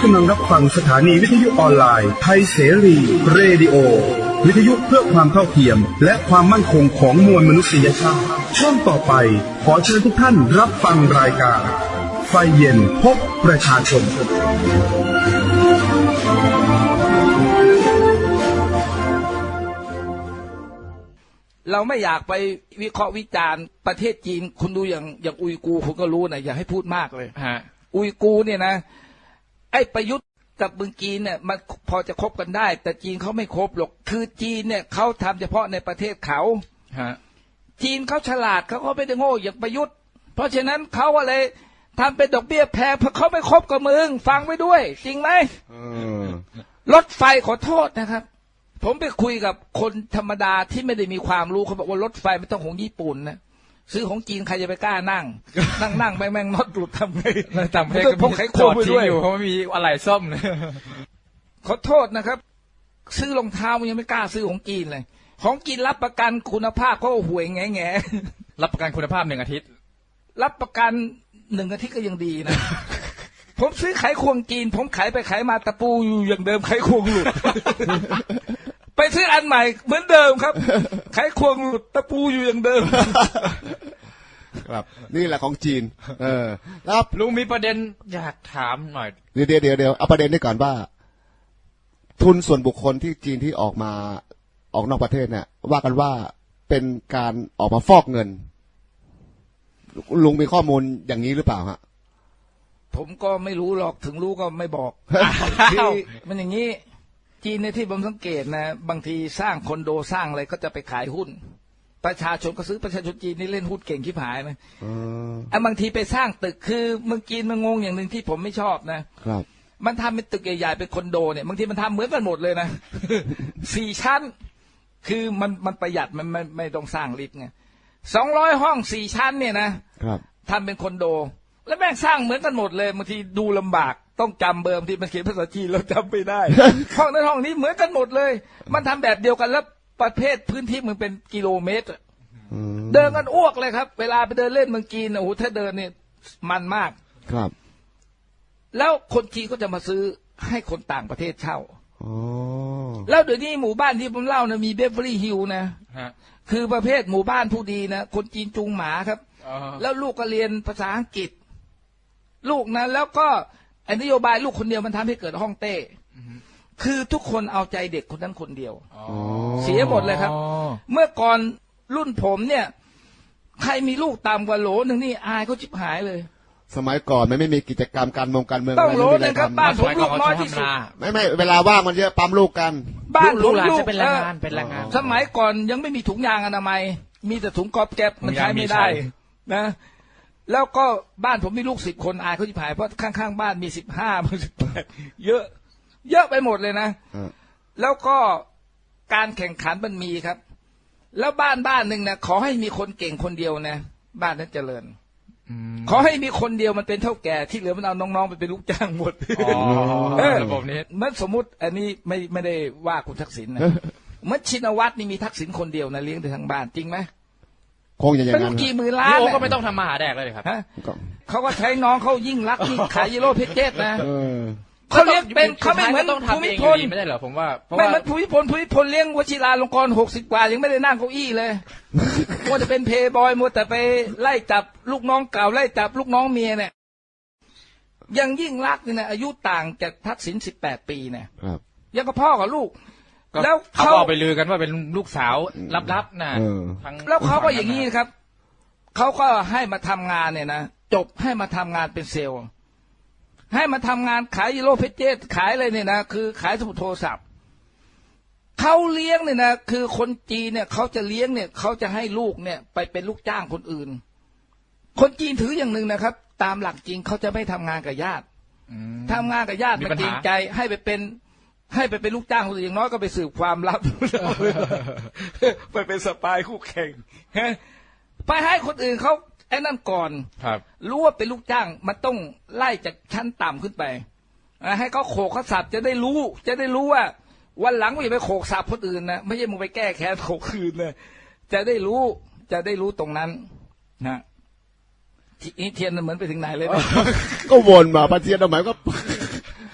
ำลังรับฟังสถานีวิทยุออนไลน์ไทยเสรีเรดิโอวิทยุเพื่อความเท่าเทียมและความมั่นคงของมวลมนุษยชาติช่วงต่อไปขอเชิญทุกท่านรับฟังรายการไฟเย็นพบประชาชนเราไม่อยากไปวิเคราะห์วิจารณ์ประเทศจีนคุณดูอย่างอุยกูร์คุณก็รู้นะอย่าให้พูดมากเลยอุยกูร์เนี่ยนะไอ้ประยุทธ์กับเมืองจีนเนี่ยมันพอจะคบกันได้แต่จีนเขาไม่คบหรอกคือจีนเนี่ยเขาทำเฉพาะในประเทศเขาจีนเขาฉลาดเขาไม่ได้โง่อย่างประยุทธ์เพราะฉะนั้นเขาอะไรทำเป็นดอกเบี้ยแพงเพราะเขาไม่คบกับมึงฟังไว้ด้วยจริงไหมรถไฟขอโทษนะครับผมไปคุยกับคนธรรมดาที่ไม่ได้มีความรู้เขาบอกว่ารถไฟไม่ต้องของญี่ปุ่นนะซื้อของจีนใครจะไปกล้านั่งแม่งน็อตหลุดทำไงทำให้พวกไขควงไปด้วยอยู่เพราะมีอะไรซ่อมเลยขอโทษนะครับซื้อรองเท้ามันยังไม่กล้าซื้อของจีนเลยของจีนรับประกันคุณภาพเขาห่วยแง่รับประกันคุณภาพ1 อาทิตย์รับประกัน1 อาทิตย์ก็ยังดีนะผมซื้อไขควงจีนผมขายไปขายมาตะปูอยู่อย่างเดิมไขควงหลุดไปซื้ออันใหม่เหมือนเดิมครับไขควงหลุดตะปูอยู่อย่างเดิมครับนี่แหละของจีนแล้วลุงมีประเด็นอยากถามหน่อยเดี๋ยวเอาประเด็นนี้ก่อนว่าทุนส่วนบุคคลที่จีนที่ออกนอกประเทศเนี่ยว่ากันว่าเป็นการออกมาฟอกเงินลุงมีข้อมูลอย่างนี้หรือเปล่าฮะผมก็ไม่รู้หรอกถึงรู้ก็ไม่บอกคือมันอย่างนี้จีนในที่ผมสังเกตนะบางทีสร้างคอนโดสร้างอะไรก็จะไปขายหุ้นประชาชนก็ซื้อประชาชนจีนนี่เล่นหุ้นเก่งชิบหายนะบางทีไปสร้างตึกคือเมืองจีนมันงงอย่างหนึ่งที่ผมไม่ชอบนะครับมันทำเป็นตึกใหญ่ๆเป็นคอนโดเนี่ยบางทีมันทำเหมือนกันหมดเลยนะ4 ชั้นคือมันประหยัดมันไม่ต้องสร้างลิฟต์ไง200 ห้อง4 ชั้นเนี่ยนะครับทำเป็นคอนโดแล้วแม่งสร้างเหมือนกันหมดเลยบางทีดูลำบากต้องจำเบอร์ที่มันเขียนภาษาจีนเราจำไม่ได้ ห้องนั้นห้องนี้เหมือนกันหมดเลยมันทำแบบเดียวกันแล้วประเภทพื้นที่มันเป็นกิโลเมตรเดินกันอ้วกเลยครับเวลาไปเดินเล่นเมืองจีนโอ้โหถ้าเดินเนี่ยมันมากครับแล้วคนจีนก็จะมาซื้อให้คนต่างประเทศเช่าแล้วเดี๋ยวนี้หมู่บ้านที่ผมเล่านะมีเบเวอรี่ฮิลล์นะคือประเภทหมู่บ้านผู้ดีนะคนจีนจูงหมาครับแล้วลูกก็เรียนภาษาอังกฤษลูกนะแล้วก็นโยบายลูกคนเดียวมันทำให้เกิดห้องเต้คือทุกคนเอาใจเด็กคนนั้นคนเดียวเสียหมดเลยครับเมื่อก่อนรุ่นผมเนี่ยใครมีลูกต่ำกว่าโหลนึงนี่อายเขาชิบหายเลยสมัยก่อนมันไม่มีกิจกรรมการเมืองต้องโหลนึงครับบ้านผมลูกน้อยที่สุดไม่เวลาว่างมันเยอะปั๊มลูกกันบ้านผมลูกเป็นแรงงานสมัยก่อนยังไม่มีถุงยางอนามัยมีแต่ถุงกอบแก๊บมันใช้ไม่ได้นะแล้วก็บ้านผมมีลูก10 คนอายเขาชิบหายเพราะข้างๆบ้านมี15 18เยอะไปหมดเลยนะแล้วก็การแข่งขันมันมีครับแล้วบ้านหนึ่งนะขอให้มีคนเก่งคนเดียวนะบ้านนั้นเจริญขอให้มีคนเดียวมันเป็นเท่าแก่ที่เหลือมันเอาน้องๆไปเป็นลูกจ้างหมดระบบนี้มันสมมุติอันนี้ไม่ได้ว่าคุณทักษิณนะเมื่อชินวัตรนี่มีทักษิณคนเดียวนะเลี้ยงทั้งบ้านจริงไหมคงอย่างนั้นเป็นกี่หมื่นล้านก็ไม่ต้องทำมาหาแดกเลยครับเขาก็ใช้น้องเขายิ่งรักยิ่งขายยีโร่เพชรเจตนะเขาเลี้ยงเป็นเขาไม่เหมือนภูมิพลไม่ได้เหรอผมว่าไม่เหมือนภูมิพลเลี้ยงวชิราลงกรณ์60 กว่ายังไม่ได้นั่งเก้าอี้เลยมัวแต่เป็นเพย์บอยมัวแต่ไปไล่จับลูกน้องเก่าไล่จับลูกน้องเมียเนี่ยยังยิ่งรักเนี่ยอายุต่างจากทักษิณ18 ปีเนี่ยยังกับพ่อกับลูกแล้วเขาไปลือกันว่าเป็นลูกสาวลับๆนะแล้วเขาก็อย่างนี้ครับเขาก็ให้มาทำงานเนี่ยนะจบให้มาทำงานเป็นเซลล์ให้มาทำงานขายยีโร่เพชรเจตขายอะไรเนี่ยนะคือขายสมุดโทรศัพท์เขาเลี้ยงเนี่ยนะคือคนจีนเนี่ยเขาจะเลี้ยงเนี่ยเขาจะให้ลูกเนี่ยไปเป็นลูกจ้างคนอื่นคนจีนถืออย่างหนึ่งนะครับตามหลักจริงเขาจะไม่ทำงานกับญาติทำงานกับญาติมันเกรงใจให้ไปเป็นลูกจ้างคนอื่นอย่างน้อยก็ไปสืบความลับไปเป็นสปายคู่แข่งไปให้คนอื่นเขาไอ้นั่นก่อนรู้ว่าเป็นลูกจ้างมันต้องไล่จากชั้นต่ำขึ้นไปให้เขาโขกเขาสับจะได้รู้ว่าวันหลังไม่ไปโขกสับคนอื่นนะไม่ใช่มึงไปแก้แค้นโขกคืนนะจะได้รู้ตรงนั้นนะทีนี้เทียนเหมือนไปถึงไหนเลยก็วนมาปะเทียนทำไมก็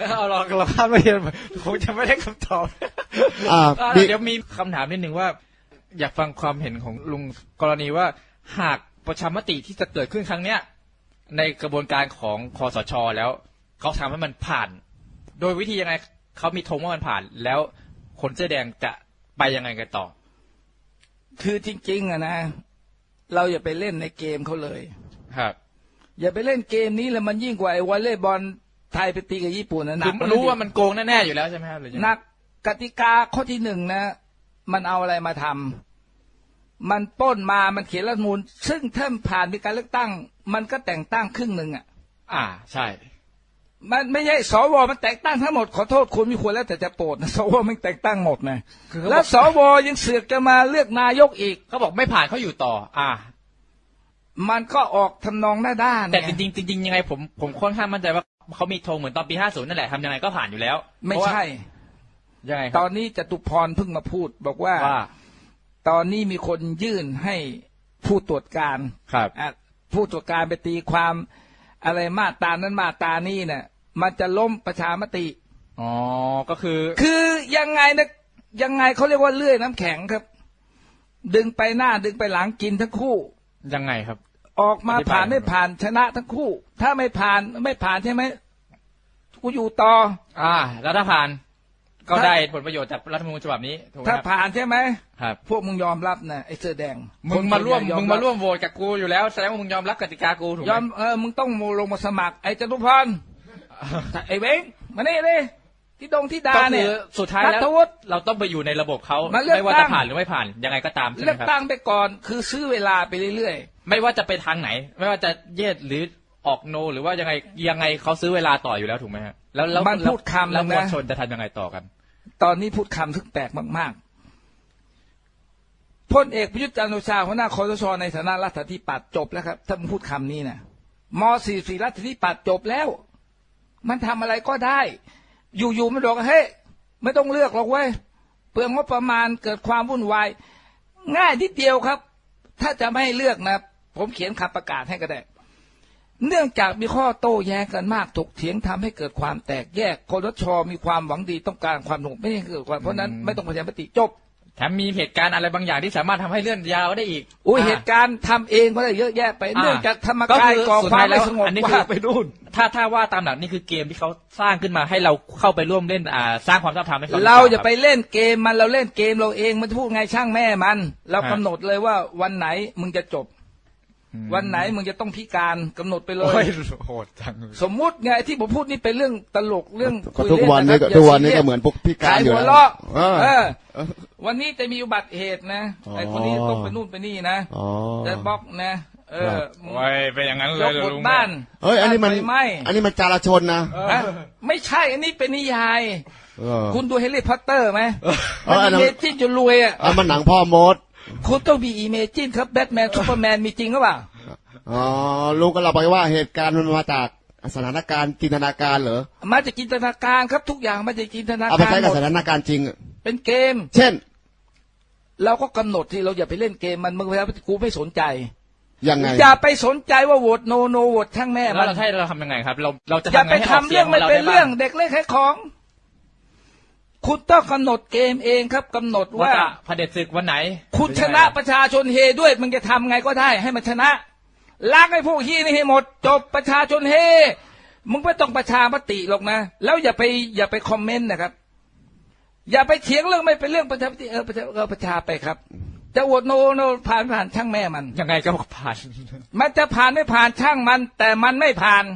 เอาเราคาดไม่เห็นคงจะไม่ได้คำตอบ เดี๋ยวมีคำถามนิดนึงว่า อยากฟังความเห็นของลุงกรณีว่าหากประชามติที่จะเกิดขึ้นครั้งเนี้ยในกระบวนการของคสช.แล้วเขาทำให้มันผ่าน โดยวิธียังไงเขามีธงว่ามันผ่าน แล้วคนเสื้อแดงจะไปยังไงกันต่อคือจริงๆอะนะเราอย่าไปเล่นในเกมเขาเลยครับอย่าไปเล่นเกมนี้แล้วมันยิ่งกว่าไอ้วอลเลย์บอลไทยไปตีกับญี่ปุ่นนะหนัคืกอรู้ว่ามันโกงแน่ๆอยู่แล้วใช่ไหมครับหรือยังไงนักกติกาข้อที่หนึ่งนะมันเอาอะไรมาทำมันปล้นมามันเขียนรัฐธรรมนูญซึ่งถ้าผ่านมีการเลือกตั้งมันก็แต่งตั้งครึ่งหนึ่งอ่ะใช่มันไม่ใช่สวมันแต่งตั้งทั้งหมดขอโทษคุณมีควรแล้วแต่จะโปรดนะสวมันแต่งตั้งหมดนะแล้วสวยังเสือกจะมาเลือกนายกอีกเขาบอกไม่ผ่านเขาอยู่ต่อมันก็ออกทำนองหน้าด้านแต่จริงๆยังไงผมค่อนข้างมั่นใจว่าเขามีธงเหมือนตอนปี50นั่นแหละทำยังไงก็ผ่านอยู่แล้วไม่ใช่ยังไงตอนนี้จตุพรเพิ่งมาพูดบอกว่าตอนนี้มีคนยื่นให้ผู้ตรวจการครับผู้ตรวจการไปตีความอะไรมาตรานั้นมาตรานี้เนี่ยมันจะล้มประชามติก็คือยังไงนะยังไงเขาเรียกว่าเลื่อยน้ำแข็งครับ ดึงไปหน้าดึงไปหลังกินทั้งคู่ยังไงครับออกมาผ่านไม่ผ่านชนะทั้งคู่ถ้าไม่ผ่านใช่ไหมกูอยู่ต่อแล้วถ้าผ่านก็ได้ผลประโยชน์จากรัฐธรรมนูญฉบับนี้ถูกไหมถ้าผ่านใช่ไหมครับพวกมึงยอมรับนะไอ้เสื้อแดงมึงมาร่วมโหวตกับกูอยู่แล้วแสดงว่ามึงยอมรับกติกากูถูกไหมยอมมึงต้องลงมาสมัครไอ้จตุพรไอ้เว้งมานี่เลยที่ดาเนี่ยสุดท้ายแล้วเราต้องไปอยู่ในระบบเขาไม่ว่าจะผ่านหรือไม่ผ่านยังไงก็ตามใช่ไหมครับเลือกตั้งไปก่อนคือซื้อเวลาไปเรื่อยๆไม่ว่าจะไปทางไหนไม่ว่าจะเย็ดหรือออกโนหรือว่ายังไงเขาซื้อเวลาต่ออยู่แล้วถูกไหมฮะแล้วมันพูดคำแล้วมวลชนจะทำยังไงต่อกันตอนนี้พูดคำทึกแปลกมากๆพลเอกประยุทธ์จันทร์โอชาหัวหน้าคสช.ในฐานะรัฐาธิปัตย์จบแล้วครับถ้ามึงพูดคำนี้นะม.44 รัฐาธิปัตย์จบแล้วมันทำอะไรก็ได้อยู่ๆมันบอกเฮ้ยไม่ต้องเลือกหรอกเว้ยเปลืองงบประมาณเกิดความวุ่นวายง่ายนิดเดียวครับถ้าจะไม่ให้เลือกนะผมเขียนคำประกาศให้ก็ได้เนื่องจากมีข้อโต้แย้งกันมากถกเถียงทำให้เกิดความแตกแยกคสช.มีความหวังดีต้องการความสงบไม่ให้เกิดความเพราะนั้นไม่ต้องประชามติจบแถมมีเหตุการณ์อะไรบางอย่างที่สามารถทำให้เลื่อนยาวได้อีกเหตุการณ์ทำเองก็ได้เยอะแยะไปเนื่องจากธรรมกายก่อความไม่สงบว่าไปนู่นถ้าว่าตามหลักนี่คือเกมที่เขาสร้างขึ้นมาให้เราเข้าไปร่วมเล่นสร้างความชอบธรรมให้เขาเราจะไปเล่นเกมมันเราเล่นเกมเราเองมันจะพูดไงช่างแม่มันเรากำหนดเลยว่าวันไหนมึงจะจบวันไหนมึงจะต้องพิการกำหนดไปเลยโหดจังสมมุติไงที่ผมพูดนี่เป็นเรื่องตลกเรื่องคุยเล่นทุกวันนี้ก็เหมือนพวกพิการอยู่แล้ววันนี้จะมีอุบัติเหตุนะไอ้คนนี้ต้องไปนู่นไปนี่นะจะบล็อกนะไว้เป็นอย่างนั้นเลยลุงบ้านอันนี้มันจราชนนะไม่ใช่อันนี้เป็นนิยายคุณดูเฮลิคอปเตอร์ไหมมันเมจินจนรวยมันหนังพ่อมดคุณต้องมีอิเมจินครับแบทแมนซูเปอร์แมนมีจริงหรือเปล่าลุงก็เราไปว่าเหตุการณ์มันมาจากสถานการณ์จินตนาการเหรอมาจากจินตนาการครับทุกอย่างมาจากจินตนาการเอาไปใช้กับสถานการณ์จริงเป็นเกมเช่นเราก็กำหนดที่เราอย่าไปเล่นเกมมันมึงไปแล้วกูไม่สนใจยังไงอย่าไปสนใจว่าโหวตโนโหวตช่างแม่มันเราทำยังไงครับเราจะอย่าไปทำเรื่องไม่เป็นเรื่องเด็กเล่นแค่ของคุณต้องกำหนดเกมเองครับกำหนดว่าเผด็จศึกวันไหนคุณชนะประชาชนเฮด้วยมึงจะทำไงก็ได้ให้มันชนะล้างไอ้พวกฮีนี่ให้หมดจบประชาชนเฮมึงไม่ต้องประชามติหรอกนะแล้วอย่าไปคอมเมนต์นะครับอย่าไปเถียงเรื่องไม่เป็นเรื่องประชามติประชาไปครับจะโหวตโนผ่านช่างแม่มันยังไงก็ผ่านมันจะผ่านไม่ผ่านช่างมันแต่มันไม่ผ่าน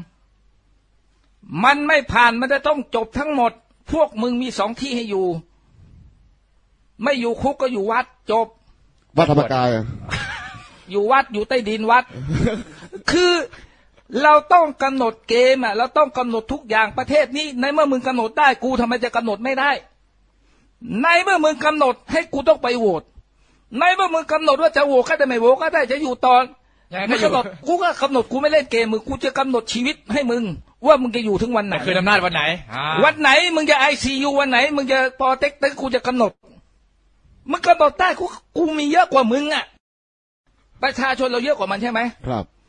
มันจะต้องจบทั้งหมดพวกมึงมี2ที่ให้อยู่ไม่อยู่คุกก็อยู่วัดจบวัดธรรมกายอยู่วัดอยู่ใต้ดินวัด คือเราต้องกำหนดเกมเราต้องกำหนดทุกอย่างประเทศนี้ในเมื่อมึงกำหนดได้กูทำไมจะกำหนดไม่ได้ในเมื่อมึงกำหนดให้กูต้องไปโหวตในเมื่อมึงกำหนดว่าจะโหวตก็ได้ไม่โหวตก็ได้จะอยู่ตอนไม่กำหนดกูก็กำหนดกูไม่เล่นเกมมึงกูจะกำหนดชีวิตให้มึงว่ามึงจะอยู่ถึงวันไหนคืออำนาจวันไหนมึงจะICUวันไหนมึงจะปอเต็กตึ๊กกูจะกำหนดมึงกำหนดได้กูมีเยอะกว่ามึงอ่ะประชาชนเราเยอะกว่ามันใช่ไหมครับ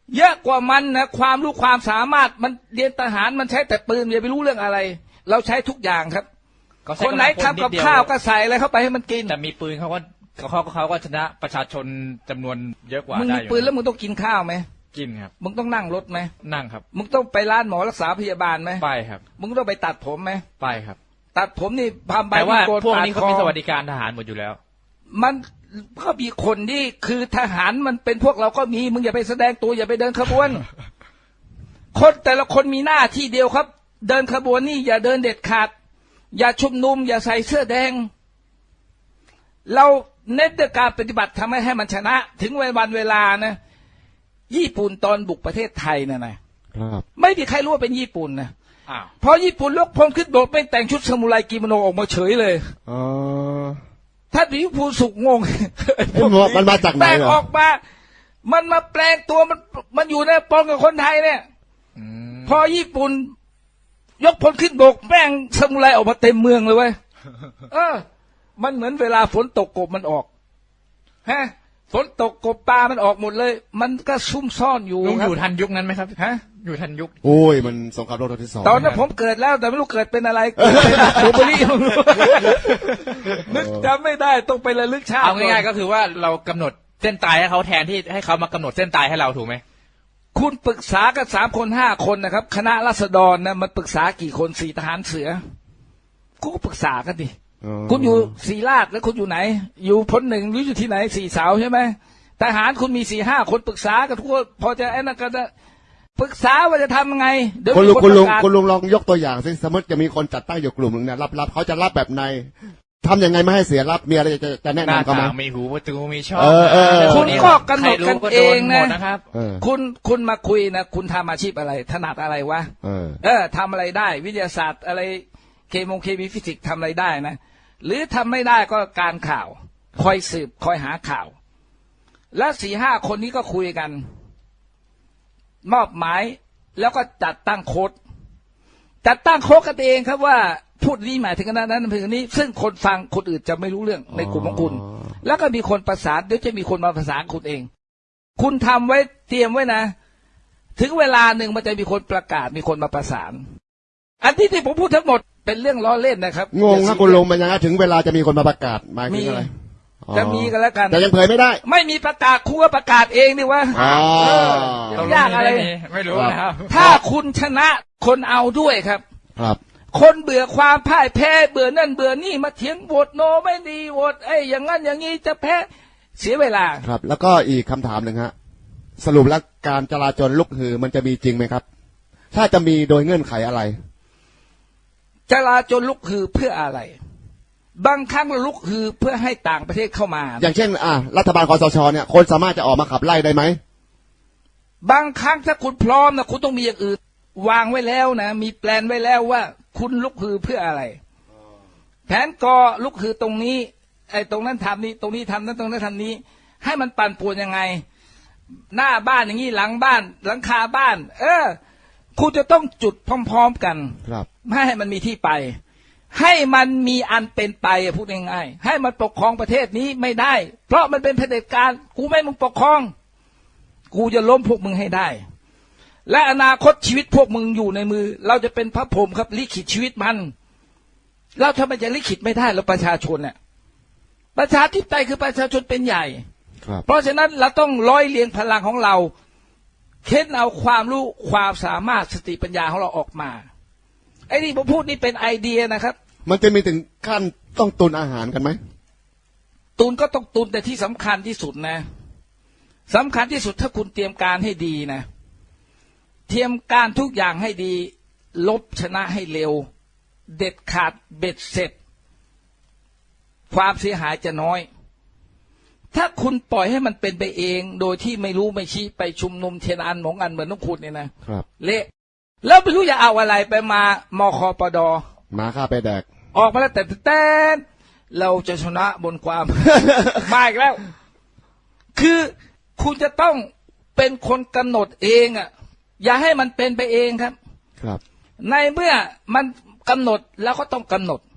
เยอะกว่ามันนะความรู้ความสามารถมันเรียนทหารมันใช้แต่ปืนอย่าไปรู้เรื่องอะไร เราใช้ทุกอย่างครับคนไหนทำกับข้าวก็ใส่อะไรเข้าไปให้มันกินแต่มีปืนเขาก็ชนะประชาชนจำนวนเยอะกว่ามึงมีปืนแล้วมึงต้องกินข้าวไหมกินครับมึงต้องนั่งรถไหมนั่งครับมึงต้องไปร้านหมอรักษาพยาบาลไหมไปครับมึงต้องไปตัดผมไหมไปครับตัดผมนี่พามใบแต่ว่าพวกนี้เขามีสวัสดิการทหารหมดอยู่แล้วมันก็มีคนที่คือทหารมันเป็นพวกเราก็มีมึงอย่าไปแสดงตัวอย่าไปเดินขบวนคนแต่ละคนมีหน้าที่เดียวครับเดินขบวนนี่อย่าเดินเด็ดขาดอย่าชุมนุมอย่าใส่เสื้อแดงเราเน้นด้วยการปฏิบัติทำให้มันชนะถึงวันเวลานะญี่ปุ่นตอนบุกประเทศไทยนะไม่มีใครรู้ว่าเป็นญี่ปุ่นนะพอญี่ปุ่นยกพลขึ้นโดดไม่แต่งชุดซามูไรกิโมโนออกมาเฉยเลยถ้าดิวพูสุกงงมันมาจากไหนแต่ออกมามันมาแปลงตัวมันอยู่ในปนกับคนไทยเนี่ยพอญี่ปุ่นยกพลขึ้นบกแป้งซามูไรออกมาเต็มเมืองเลยเว้ยมันเหมือนเวลาฝนตกกบมันออกฮะฝนตกกบปลามันออกหมดเลยมันก็ซุ่มซ่อนอยู่ลุงอยู่ทันยุคนั้นไหมครับฮะอยู่ทันยุคโอ้ยมันสงครามโลกที่ 2 ตอนนั้นผมเกิดแล้วแต่ไม่รู้เกิดเป็นอะไรบูเบอรี่นึกจำไม่ได้ต้องไประลึกชาติเอาง่ายๆก็คือว่าเรากำหนดเส้นตายให้เขาแทนที่ให้เขามากำหนดเส้นตายให้เราถูกไหมคุณปรึกษากัน3 คน 5 คนนะครับคณะราษฎรนะมันปรึกษากี่คน4 ทหารเสือก็ปรึกษากันดิคุณอยู่ศรีราชแล้วคุณอยู่ไหนอยู่พล 1หรืออยู่ที่ไหน4 เสาใช่ไหมทหารคุณมี4 5 คนปรึกษากันทุกคนพอจะไอ้นั่นกันปรึกษาว่าจะทำยังไงคุณลุงลองยกตัวอย่างสิสมมติจะมีคนจัดตั้งอยู่กลุ่มหนึ่งเนี่ยรับเขาจะรับแบบไหนทำยังไงไม่ให้เสียรับมีอะไรจะแนะนำเขาไหมมีหูประตูมีช่องคุณก็กำหนดกันเองนะครับคุณมาคุยนะคุณทำอาชีพอะไรถนัดอะไรวะทำอะไรได้วิทยาศาสตร์อะไรเคมีฟิสิกส์ทำอะไรได้นะหรือทำไม่ได้ก็การข่าวคอยสืบคอยหาข่าวแล้ว4 5 คนนี้ก็คุยกันมอบหมายแล้วก็จัดตั้งโค้ดกันเองครับว่าพูดนี้หมายถึงนั้นถึงนี้ซึ่งคนฟังคนอื่นจะไม่รู้เรื่องในกลุ่มของคุณแล้วก็มีคนประสานเดี๋ยวจะมีคนมาประสานคุณเองคุณทำไว้เตรียมไว้นะถึงเวลาหนึ่งมันจะมีคนประกาศมีคนมาประสานอันที่ผมพูดทั้งหมดเป็นเรื่องล้อเล่นนะครับงงนะคุณลุงมันยังไงถึงเวลาจะมีคนมาประกาศหมายถึงอะไรจะมีกันแล้วกันแต่ยังเผยไม่ได้ไม่มีประกาศครูก็ประกาศเองดิวะยากอะไรไม่รู้นะครับถ้าคุณชนะคนเอาด้วยครับคนเบื่อความพ่ายแพ้เบื่อนั่นเบื่อนี่มาเถียงโหวตโนไม่ดีโหวตอย่างนั้นอย่างนี้จะแพ้เสียเวลาครับแล้วก็อีกคำถามหนึ่งฮะสรุปแล้วการจราจรลุกฮือมันจะมีจริงไหมครับถ้าจะมีโดยเงื่อนไขอะไรจราจรลุกฮือเพื่ออะไรบางครั้งลุกฮือเพื่อให้ต่างประเทศเข้ามาอย่างเช่นรัฐบาลคสช.เนี่ยคนสามารถจะออกมาขับไล่ได้ไหมบางครั้งถ้าคุณพร้อมนะคุณต้องมีอย่างอื่นวางไว้แล้วนะมีแปลนไว้แล้วว่าคุณลุกฮือเพื่ออะไรแผนกอลุกฮือตรงนี้ตรงนั้นทำนี้ตรงนี้ทำนั้นตรงนั้นทำนี้ให้มันปั่นป่วนยังไงหน้าบ้านอย่างนี้หลังบ้านหลังคาบ้านคุณจะต้องจุดพร้อมๆกันไม่ให้มันมีที่ไปให้มันมีอันเป็นไปพูดง่ายๆให้มันปกครองประเทศนี้ไม่ได้เพราะมันเป็นเผด็จการกูไม่มึงปกครองกูจะล้มพวกมึงให้ได้และอนาคตชีวิตพวกมึงอยู่ในมือเราจะเป็นพระพรหมครับลิขิตชีวิตมันเราทำไมจะลิขิตไม่ได้เราประชาชนเนี่ยประชาธิปไตยคือประชาชนเป็นใหญ่เพราะฉะนั้นเราต้องร้อยเรียงพลังของเราเค้นเอาความรู้ความสามารถสติปัญญาของเราออกมาไอ้นี่ผมพูดนี่เป็นไอเดียนะครับมันจะมีถึงขั้นต้องตุนอาหารกันไหมตุนก็ต้องตุนแต่ที่สำคัญที่สุดนะสำคัญที่สุดถ้าคุณเตรียมการให้ดีนะเตรียมการทุกอย่างให้ดีลบชนะให้เร็วเด็ดขาดเบ็ดเสร็จความเสียหายจะน้อยถ้าคุณปล่อยให้มันเป็นไปเองโดยที่ไม่รู้ไม่ชี้ไปชุมนุมเทียนอันหมองอันเหมือนน้องคุณเนี่ยนะครับเละแล้วไม่รู้จะเอาอะไรไปมามคปดมาฆ่าไปแดกออกมาแล้วแต่เราจะชนะบนความ มาอีกแล้วคือคุณจะต้องเป็นคนกำหนดเองอย่าให้มันเป็นไปเองครับในเมื่อมันกำหนดแล้วก็ต้องกำหนด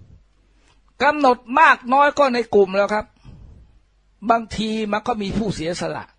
มากน้อยก็ในกลุ่มแล้วครับบางทีมันก็มีผู้เสียสละ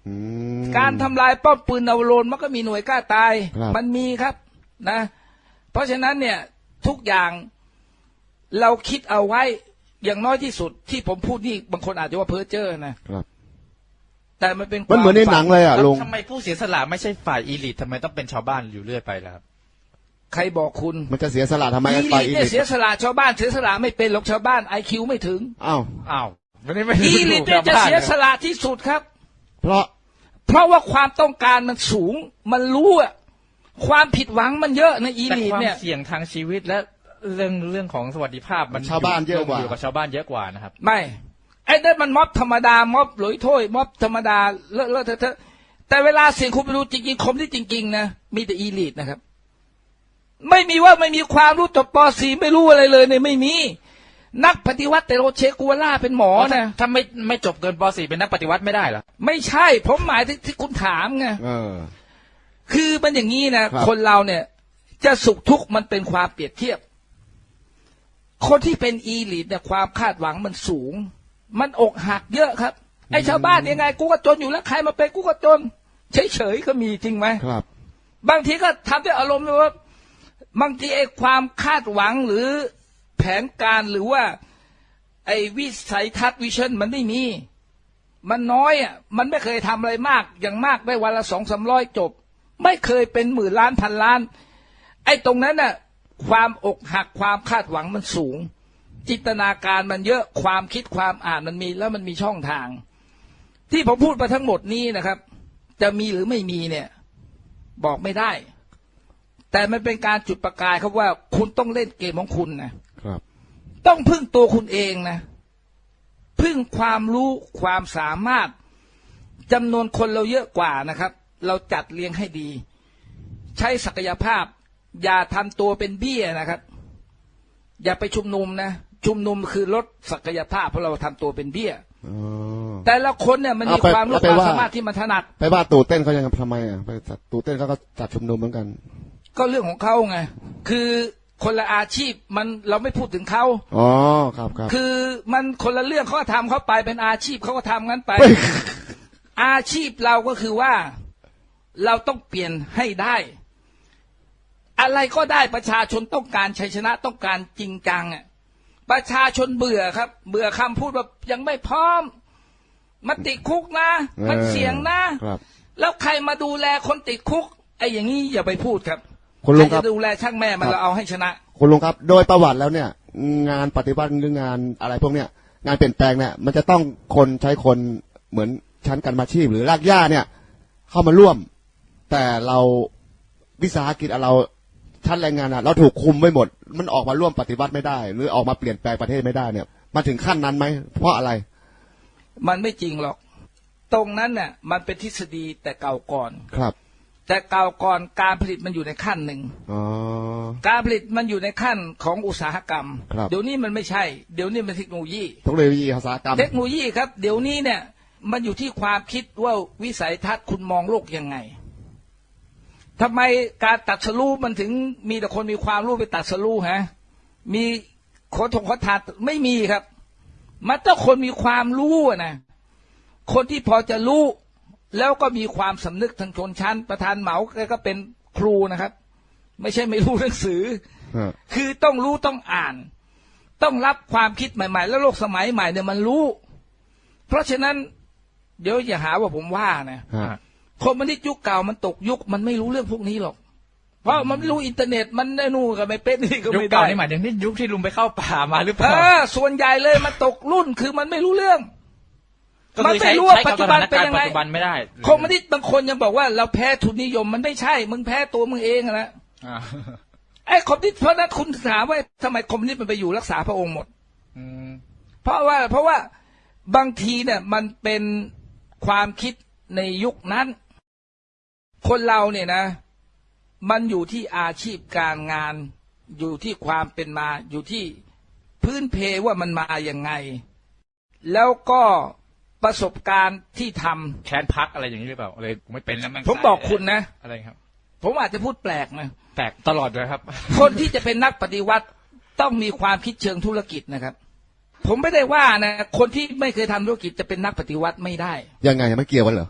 การทำลายป้อมปืนนาวโรนมันก็มีหน่วยกล้าตายครับมันมีครับนะ เพราะฉะนั้นเนี่ยทุกอย่างเราคิดเอาไว้อย่างน้อยที่สุดที่ผมพูดนี่บางคนอาจจะว่าเพ้อเจ้อนะครับ แต่มันเป็นมันเหมือนในหนังเลยอ่ะแล้วลุงทำไมผู้เสียสละไม่ใช่ฝ่ายอีลิททำไมต้องเป็นชาวบ้านอยู่เรื่อยไปล่ะครับใครบอกคุณมันจะเสียสละทำไมอีไปลิทอีเนี่ยลิทเสียสละชาวบ้านเสียสละไม่เป็นหรอกชาวบ้าน IQ ไม่ถึงอ้าวอ้าวไม่ได้ไม่อีลิทเนี่ยจะเสียสละที่สุดครับเพราะเพราะว่าความต้องการมันสูง มันรู้อะความผิดหวังมันเยอะในอีแต่ลิทความเนี่ยเสี่ยงทางชีวิตและเรื่องของสวัสดิภาพมันชาวบ้านเยอะกว่าอยู่กับชาวบ้านเยอะกว่านะครับไม่ไอ้นั่นมันม็อบธรรมดาม็อบหลอยถ้วยม็อบธรรมดาเลอะเทอะแต่เวลาเสียงคุณไปดูจริงๆคมที่จริงๆนะมีแต่อีลิทนะครับไม่มีว่าไม่มีความรู้จบป .4 ไม่รู้อะไรเลยเนี่ยไม่มีนักปฏิวัติแต่โรเชกัวล่าเป็นหมอนะถ้าไม่จบเกินป .4 เป็นนักปฏิวัติไม่ได้เหรอไม่ใช่ผมหมายถึงที่คุณถามไง คือมันอย่างนี้นะครับ คนเราเนี่ยจะสุขทุกข์มันเป็นความเปรียบเทียบคนที่เป็นอีลิทเนี่ยความคาดหวังมันสูง มันอกหักเยอะครับไอ้ชาวบ้านยังไงกูก็จนอยู่แล้วใครมาเป็นกูก็จนเฉยๆก็มีจริงไหมครับบางทีก็ทำด้วยอารมณ์ว่าบางทีไอ้ความคาดหวังหรือแผนการหรือว่าไอ้วิสัยทัศน์วิชั่นมันไม่มีมันน้อยอ่ะมันไม่เคยทำอะไรมากอย่างมากได้วันละ200-300จบไม่เคยเป็นหมื่นล้านพันล้านไอ้ตรงนั้นน่ะความอกหักความคาดหวังมันสูงจินตนาการมันเยอะความคิดความอ่านมันมีแล้วมันมีช่องทาง ที่ผมพูดมาทั้งหมดนี้นะครับจะมีหรือไม่มีเนี่ยบอกไม่ได้แต่มันเป็นการจุดประกายครับว่าคุณต้องเล่นเกมของคุณนะครับต้องพึ่งตัวคุณเองนะพึ่งความรู้ความสามารถจำนวนคนเราเยอะกว่านะครับเราจัดเรียงให้ดีใช้ศักยภาพอย่าทำตัวเป็นเบี้ยนะครับอย่าไปชุมนุมนะชุมนุมคือลดศักยภาพเพราะเราทำตัวเป็นเบี้ยแต่ละคนเนี่ยมันมีความรู้ความสามารถที่มันถนัดไปว่าตู่เต้นเขายังทำไมอ่ะไปตู่เต้นเขาก็จัดชุมนุมเหมือนกันก็เรื่องของเขาไงคือคนละอาชีพมันเราไม่พูดถึงเขาอ๋อครับคือมันคนละเรื่องเขาก็ทำเขาไปเป็นอาชีพเขาก็ทำงั้นไป อาชีพเราก็คือว่าเราต้องเปลี่ยนให้ได้อะไรก็ได้ประชาชนต้องการชัยชนะต้องการจริงจังอ่ะประชาชนเบื่อครับเบื่อคำพูดแบบยังไม่พร้อมมันติดคุกนะมันเสี่ยงนะแล้วใครมาดูแลคนติดคุกไอ้อย่างนี้อย่าไปพูดครับคุณลุงครับดูแลช่างแม่มันเราเอาให้ชนะคุณลุงครับโดยประวัติแล้วเนี่ยงานปฏิวัติหรืองานอะไรพวกเนี้ยงานเปลี่ยนแปลงเนี่ยมันจะต้องคนใช้คนเหมือนชั้นการมาชีพหรือรากหญ้าเนี่ยเข้ามาร่วมแต่เราวิสาหกิจเราชั้นแรงงานเราถูกคุมไว้หมดมันออกมาร่วมปฏิวัติไม่ได้หรือออกมาเปลี่ยนแปลงประเทศไม่ได้เนี่ยมาถึงขั้นนั้นไหมเพราะอะไรมันไม่จริงหรอกตรงนั้นเนี่ยมันเป็นทฤษฎีแต่เก่าก่อนครับแต่เก่าก่อนการผลิตมันอยู่ในขั้นหนึ่งการผลิตมันอยู่ในขั้นของอุตสาหกรรมเดี๋ยวนี้มันไม่ใช่เดี๋ยวนี้มันเทคโนโลยีอุตสาหกรรมเทคโนโลยีครับเดี๋ยวนี้เนี่ยมันอยู่ที่ความคิดว่าวิสัยทัศน์คุณมองโลกยังไงทำไมการตัดสรู้มันถึงมีแต่คนมีความรู้ไปตัดสรู้ฮะมีขอทานไม่มีครับมันต้องคนมีความรู้นะคนที่พอจะรู้แล้วก็มีความสำนึกทางชนชั้นประธานเหมาแกก็เป็นครูนะครับไม่ใช่ไม่รู้หนังสือคือต้องรู้ต้องอ่านต้องรับความคิดใหม่ๆแล้วโลกสมัยใหม่เนี่ยมันรู้เพราะฉะนั้นเดี๋ยวอย่าหาว่าผมว่านะคนมันที่ยุคเก่ามันตกยุคมันไม่รู้เรื่องพวกนี้หรอกเพราะมันไม่รู้อินเทอร์เน็ตมันได้นู่นก็ไม่เป็นนี่ก็ไม่ได้ยุคเก่านี่หมายถึงนี่ยุคที่ลุงไปเข้าป่ามาหรือเปล่าส่วนใหญ่เลยมันตกรุ่นคือมันไม่รู้เรื่องมันไม่รู้ว่าปัจจุบันเป็นยังไงคอมมิวนิสต์บางคนยังบอกว่าเราแพ้ทุนนิยมมันไม่ใช่มึงแพ้ตัวมึงเองนะไอ้คอมมิวนิสต์เพราะนั้นคุณถามว่าทำไมคอมมิวนิสต์มันไปอยู่รักษาพระองค์หมดเพราะว่าบางทีเนี่ยมันเป็นความคิดในยุคนั้นคนเราเนี่ยนะมันอยู่ที่อาชีพการงานอยู่ที่ความเป็นมาอยู่ที่พื้นเพว่ามันมาอย่างไงแล้วก็ประสบการณ์ที่ทำแค้นพักอะไรอย่างนี้หรือเปล่าอะไรไม่เป็นแล้วผมบอกคุณนะอะไรครับผมอาจจะพูดแปลกนะแปลกตลอดเลยครับคนที่จะเป็นนักปฏิวัติต้องมีความคิดเชิงธุรกิจนะครับผมไม่ได้ว่านะคนที่ไม่เคยทำธุรกิจจะเป็นนักปฏิวัติไม่ได้ยังไงไม่เกี่ยวกันเหรอ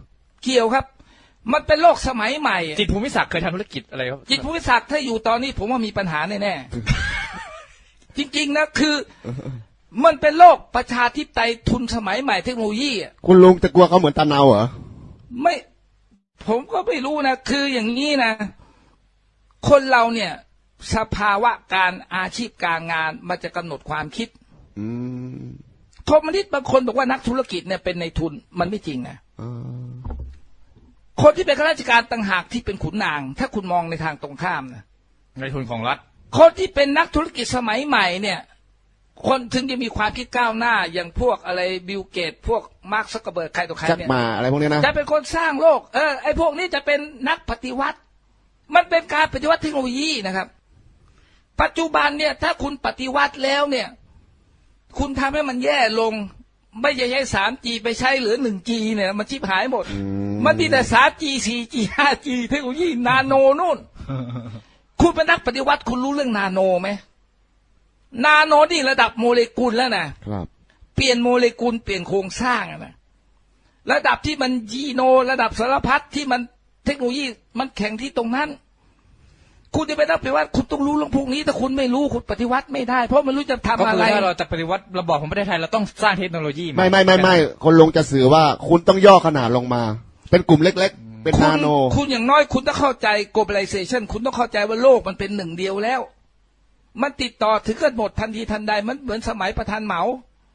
เกี่ยวครับ มันเป็นโลกสมัยใหม่จิตรภูมิศักดิ์เคยทำธุรกิจอะไรครับจิตรภูมิศักดิ์ถ้าอยู่ตอนนี้ผมว่ามีปัญหาแน่ๆ จริงๆนะคือมันเป็นโลกประชาธิปไตยทุนสมัยใหม่เทคโนโลยีอ่ะคุณลุงจะกลัวเขาเหมือนตาเนาเหรอไม่ผมก็ไม่รู้นะคืออย่างนี้นะคนเราเนี่ยสภาวะการอาชีพการงานมันจะกำหนดความคิดคอมมิวนิสต์บางคนบอกว่านักธุรกิจเนี่ยเป็นในทุนมันไม่จริงนะคนที่เป็นข้าราชการต่างหากที่เป็นขุนนางถ้าคุณมองในทางตรงข้ามนะในทุนของรัฐคนที่เป็นนักธุรกิจสมัยใหม่เนี่ยคนถึงจะมีความคิดก้าวหน้าอย่างพวกอะไรบิลเกตพวกมาร์คซักเคอร์เบิร์กใครต่อใครเนี่ยอะไรพวกนี้นะจะเป็นคนสร้างโลกไอ้พวกนี้จะเป็นนักปฏิวัติมันเป็นการปฏิวัติเทคโนโลยีนะครับปัจจุบันเนี่ยถ้าคุณปฏิวัติแล้วเนี่ยคุณทำให้มันแย่ลงไม่ใช่ใช้ 3G ไปใช้เหลือ 1G เนี่ยมันชิบหายหมดมันมีแต่ 3G 4G 5G เทคโนโลยีนาโนนู่นคุณเป็นนักปฏิวัติคุณรู้เรื่องนาโนไหมนาโนนี่ระดับโมเลกุลแล้วนะครับเปลี่ยนโมเลกุลเปลี่ยนโครงสร้างนะระดับที่มันยีโนระดับสารพัดที่มันเทคโนโลยีมันแข่งที่ตรงนั้นคุณจะไปนักปฏิวัติคุณต้องรู้เรื่องพวกนี้ถ้าคุณไม่รู้คุณปฏิวัติไม่ได้เพราะไม่รู้จะทำอะไรก็คือถ้าเราจะปฏิวัติระบอบของประเทศไทยเราต้องสร้างเทคโนโลยีไม่คนลงจะสื่อว่าคุณต้องย่อขนาดลงมาเป็นกลุ่มเล็กๆเป็นนาโนคุณอย่างน้อยคุณต้องเข้าใจ globalization คุณต้องเข้าใจว่าโลกมันเป็นหนึ่งเดียวแล้วมันติดต่อถึงกันหมดทันทีทันใดมันเหมือนสมัยประธานเหมา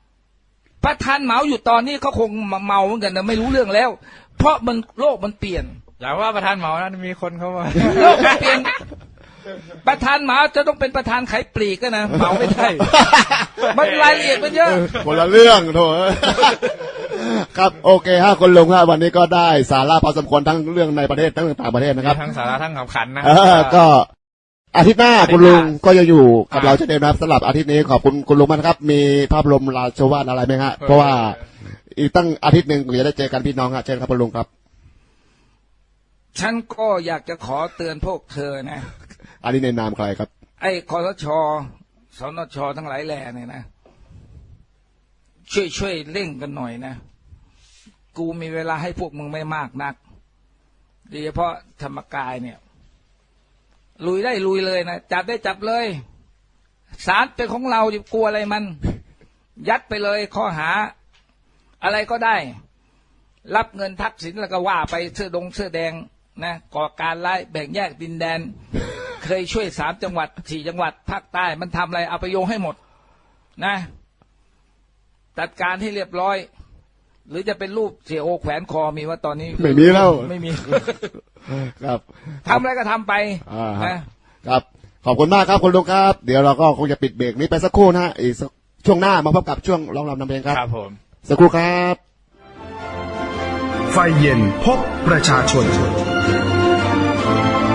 อยู่ตอนนี้เขาคงเมาเหมือนกันนะไม่รู้เรื่องแล้วเพราะมันโลกมันเปลี่ยนอย่าว่าประธานเหมานะมีคนเข้ามาโลกมันเปลี่ยนประธานเหมาจะต้องเป็นประธานขายปลีกนะเหมาไม่ได้มันรายละเอียดมันเยอะคนละเรื่องโถครับโอเคฮะคนลงครับวันนี้ก็ได้สาระพอสมควรทั้งเรื่องในประเทศทั้งต่างประเทศนะครับทั้งสาระทั้งขำขันนะก็อาทิตย์หน้าคุณลุงก็จะอยู่กับเราเช่นเดิมนะครับสำหรับอาทิตย์นี้ขอบคุณคุณลุงมากครับมีภาพรวมราชวาทอะไรไหมฮะเพราะว่าอีกตั้งอาทิตย์หนึ่งจะได้เจอกันพี่น้องครับเชิญครับคุณลุงครับฉันก็อยากจะขอเตือนพวกเธอนะอันนี้ในนามใครครับไอ้คสช.สนช.ทั้งหลายแหล่เนี่ยนะช่วยเร่งกันหน่อยนะกูมีเวลาให้พวกมึงไม่มากนักโดยเฉพาะธรรมกายเนี่ยลุยได้ลุยเลยนะจับได้จับเลยศาลเป็นของเราจะกลัวอะไรมันยัดไปเลยข้อหาอะไรก็ได้รับเงินทักษิณแล้วก็ว่าไปเสื้อแดงนะก่อการร้ายแบ่งแยกดินแดนเคยช่วย3 จังหวัด 4 จังหวัดภาคใต้มันทำอะไรเอาไปโยงให้หมดนะจัดการให้เรียบร้อยหรือจะเป็นรูปเสียโอแขวนคอมีว่าตอนนี้ไม่มีแล้วไม่มีครับทำอะไรก็ทำไปนะครับขอบคุณมากครับคุณลุงครับเดี๋ยวเราก็คงจะปิดเบรกนี้ไปสักครู่นะอีกช่วงหน้ามาพบกับช่วงร้องรำนำเพลงครับครับผมสักครู่ครับไฟเย็นพบประชาชน